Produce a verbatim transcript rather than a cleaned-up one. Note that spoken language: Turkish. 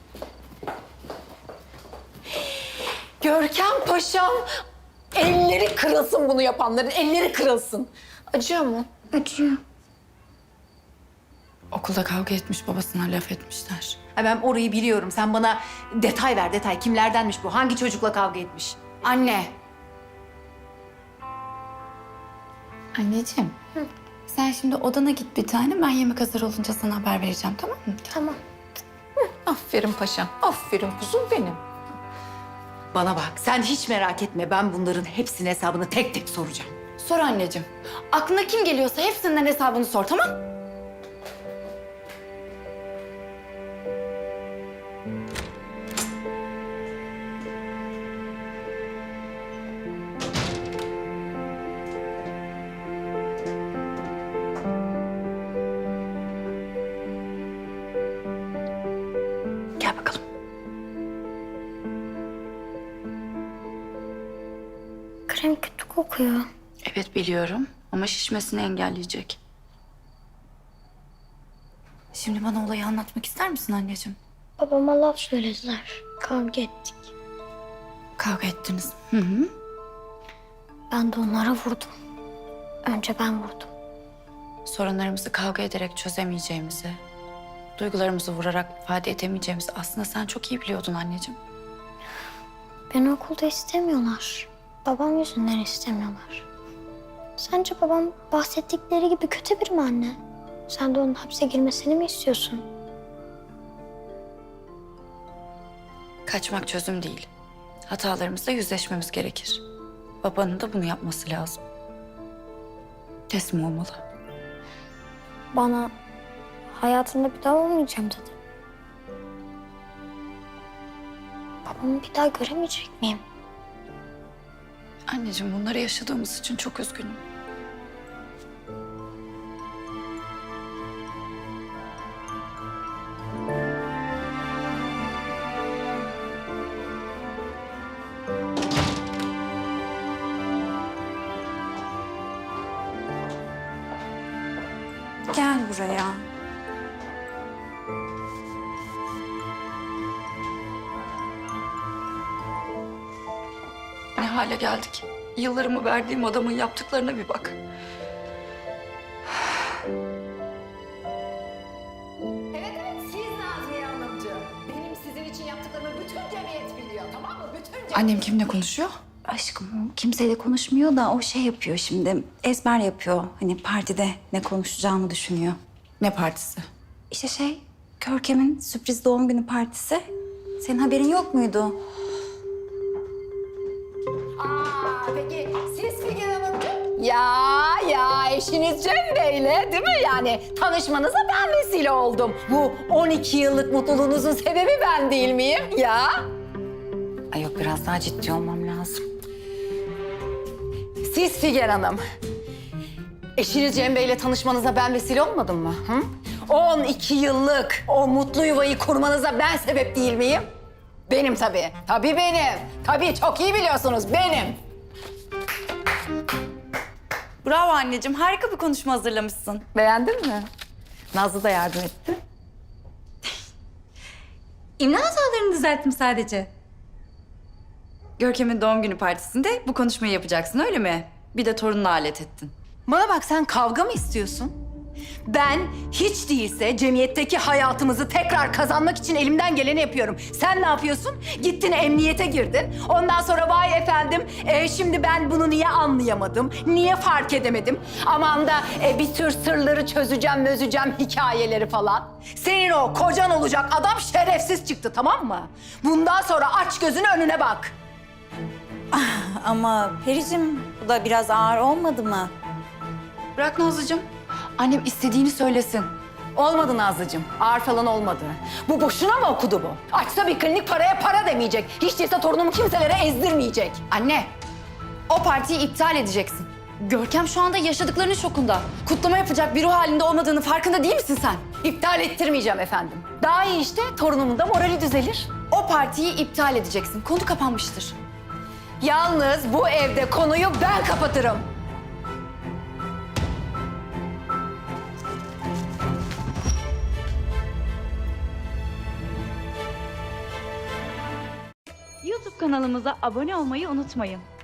Görkem Paşam, elleri kırılsın bunu yapanların, elleri kırılsın. Acıyor mu? Acıyor. Okulda kavga etmiş, babasına laf etmişler. Ha, ben orayı biliyorum. Sen bana detay ver, detay. Kimlerdenmiş bu? Hangi çocukla kavga etmiş? Anne. Anneciğim. Hı. Sen şimdi odana git bir tane. Ben yemek hazır olunca sana haber vereceğim, tamam mı? Tamam. Aferin paşam, aferin kuzum benim. Bana bak, sen hiç merak etme. Ben bunların hepsinin hesabını tek tek soracağım. Sor anneciğim. Aklına kim geliyorsa hepsinden hesabını sor, tamam? Gel bakalım. Krem kötü kokuyor. Evet biliyorum ama şişmesini engelleyecek. Şimdi bana olayı anlatmak ister misin anneciğim? Babama laf söylediler. Kavga ettik. Kavga ettiniz. Hı hı. Ben de onlara vurdum. Önce ben vurdum. Sorunlarımızı kavga ederek çözemeyeceğimizi, duygularımızı vurarak ifade edemeyeceğimizi aslında sen çok iyi biliyordun anneciğim. Beni okulda istemiyorlar. Babam yüzünden istemiyorlar. Sence babam bahsettikleri gibi kötü biri mi anne? Sen de onun hapse girmesini mi istiyorsun? Kaçmak çözüm değil. Hatalarımızla yüzleşmemiz gerekir. Babanın da bunu yapması lazım. Teslim olmalı. Bana hayatımda bir daha olmayacağım dedi. Babamı bir daha göremeyecek miyim? Anneciğim bunları yaşadığımız için çok üzgünüm. Gel buraya. Ne hale geldik? Yıllarımı verdiğim adamın yaptıklarına bir bak. Evet, evet. Siz Nazmiye Hanımcığım. Benim sizin için yaptıklarımı bütün cemiyet biliyor, tamam mı? Bütün cemiyet. Annem kimle konuşuyor? Aşkım kimseyle konuşmuyor da o şey yapıyor şimdi. Ezber yapıyor. Hani partide ne konuşacağını düşünüyor. Ne partisi? İşte şey, Görkem'in sürpriz doğum günü partisi. Senin haberin yok muydu? Aa, peki siz Figen Hanımcığım? Ya ya eşiniz Cem Bey'le değil mi? Yani tanışmanıza ben vesile oldum. Bu on iki yıllık mutluluğunuzun sebebi ben değil miyim? Ya. Ay yok biraz daha ciddi olmam lazım. Siz Figen Hanım, eşiniz Cem Bey'le tanışmanıza ben vesile olmadım mı? Hı? on iki yıllık o mutlu yuvayı kurmanıza ben sebep değil miyim? Benim tabii. Tabii benim. Tabii çok iyi biliyorsunuz benim. Bravo anneciğim. Harika bir konuşma hazırlamışsın. Beğendin mi? Nazlı da yardım etti. İmla hatalarını düzelttim sadece. Görkem'in doğum günü partisinde bu konuşmayı yapacaksın öyle mi? Bir de torununu alet ettin. Bana bak sen kavga mı istiyorsun? Ben hiç değilse cemiyetteki hayatımızı tekrar kazanmak için elimden geleni yapıyorum. Sen ne yapıyorsun? Gittin emniyete girdin. Ondan sonra vay efendim e, şimdi ben bunu niye anlayamadım? Niye fark edemedim? Aman da e, bir tür sırları çözeceğim, mözeceğim hikayeleri falan. Senin o kocan olacak adam şerefsiz çıktı, tamam mı? Bundan sonra aç gözünü önüne bak. Ama Pericim bu da biraz ağır olmadı mı? Bırak Nazlıcığım. Annem istediğini söylesin. Olmadı Nazlıcığım. Ağır falan olmadı. Bu boşuna mı okudu bu? Açsa bir klinik paraya para demeyecek. Hiç değilse torunumu kimselere ezdirmeyecek. Anne, o partiyi iptal edeceksin. Görkem şu anda yaşadıklarının şokunda. Kutlama yapacak bir ruh halinde olmadığını farkında değil misin sen? İptal ettirmeyeceğim efendim. Daha iyi işte torunumun da morali düzelir. O partiyi iptal edeceksin. Konu kapanmıştır. Yalnız bu evde konuyu ben kapatırım. kanalımıza abone olmayı unutmayın.